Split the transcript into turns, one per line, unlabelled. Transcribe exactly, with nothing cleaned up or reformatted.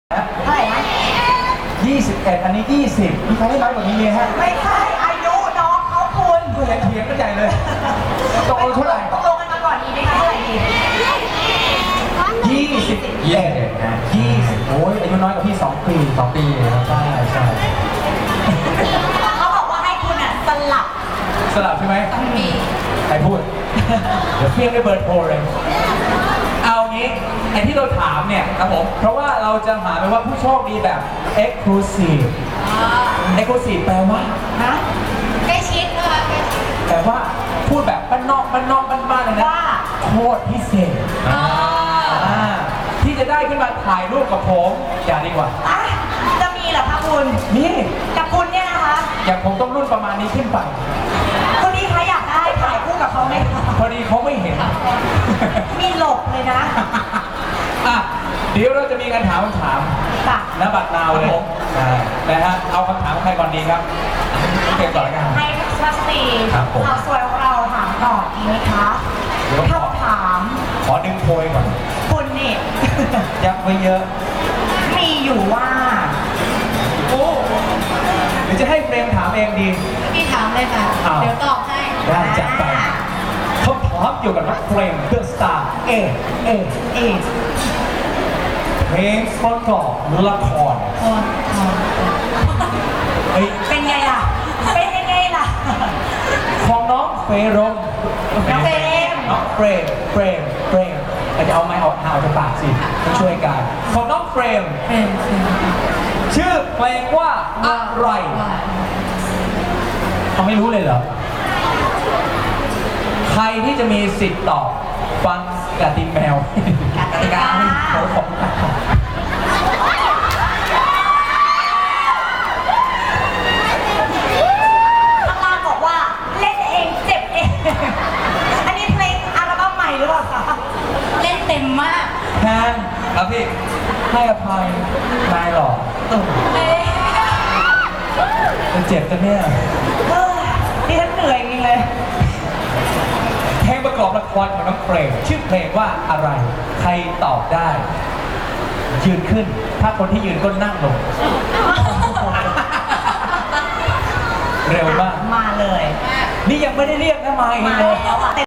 เท่าไหร่นะยี่สิบเอ็ดอันนี้ยี่สิบมีใครได้น้อยกว่านี้ไหมฮะ
ไม่ใช่อายุน้องเขาคุณ
ก็ยังเถียงกันใหญ่เลยตกลงเท่าไหร่
ตกลงกันมาก่อนดีไหมคะเท่าไหร่ดี
ยี่สิบเอ็ดนะยี่สิบโอ้ยอายุน้อยกว่าพี่สองปีสองปีใช่ใช่
เขาบอกว่าให้คุณอ่ะสลับ
สลับใช่ไหม
ต้องมี
ใครพูดเดี๋ยวเพี้ยงได้เบิร์ดโพลเลยเอางี้ไอ้ที่เราถามเนี่ยครับผมเพราะว่าเราจะหาไปว่าผู้โชคดีแบบ exclusive exclusive แปลว่า
นะใกล้ชิดนะคะ
แต่ว่าพูดแบบบ้านนอกบ้านนอกบ้านๆเลยนะ
ว่า
โคตรพิเศษที่จะได้ขึ้นมาถ่ายรูปกับผมอย่าดีกว่า
จะมีเหรอคะคุณ
นี่
กับคุณเนี่ยนะคะ
อย่างผมต้องรุ่นประมาณนี้ขึ้นไป
คุณพี่คะอยากได้ถ่ายคู่กับเขาไหมคะ
พอดีเขาไม่เห็น
มีหลบเลยนะ
อ่ะเดี๋ยวเราจะมีการถามคำถามณบัดนาวเลยนะฮะเอาคำถามใครก่อนดีครับเก็บก่อนแล้วกัน
ให้ชัสตีสาวสวยของเราถามก่อนดีไหมคะคำถาม
ขอดึงโพยก่อน
คุณนี่
ยักไว้เยอะ
มีอยู่ว่า
โอ้หรือจะให้เฟรมถามเองดี
พี่ถามเลยค่ะเดี๋ยวตอบให้
ได้จัดไปคำถามเกี่ยวกับนักเพลงเดอะสตาร์เอเอเอเพลงประกอบละคร
เป็นไงล่ะเป็นยังไงล่ะ
ของน้องเฟรม
น้องเฟรม
น้องเฟรมเฟรมเฟรมจะเอาไม้ออกหาวจากปากสิมาช่วยกันของน้องเฟรมชื่อเพลงว่าอะไรเขาไม่รู้เลยเหรอใครที่จะมีสิทธิ์ตอบฟังกติแมว
กติกา
เขาของ
ข้างล่างบอกว่าเล่นเองเจ็บเองอันนี้เพลงอัลบั้มใหม่หรือเปล่าคะเล่นเต็มมาก
แทนครับพี่ให้อภัยนายหรอจะเจ็บกันเนี่ย
ดิฉันเหนื่อยจริงเลย
เพลงประกอบละครของน้องเฟรมชื่อเพลงว่าอะไรใครตอบได้ยืนขึ้นถ้าคนที่ยืนก็นั่งลงเร็วมาก
มาเลย
นี่ยังไม่ได้เรียกนะมาเองเลย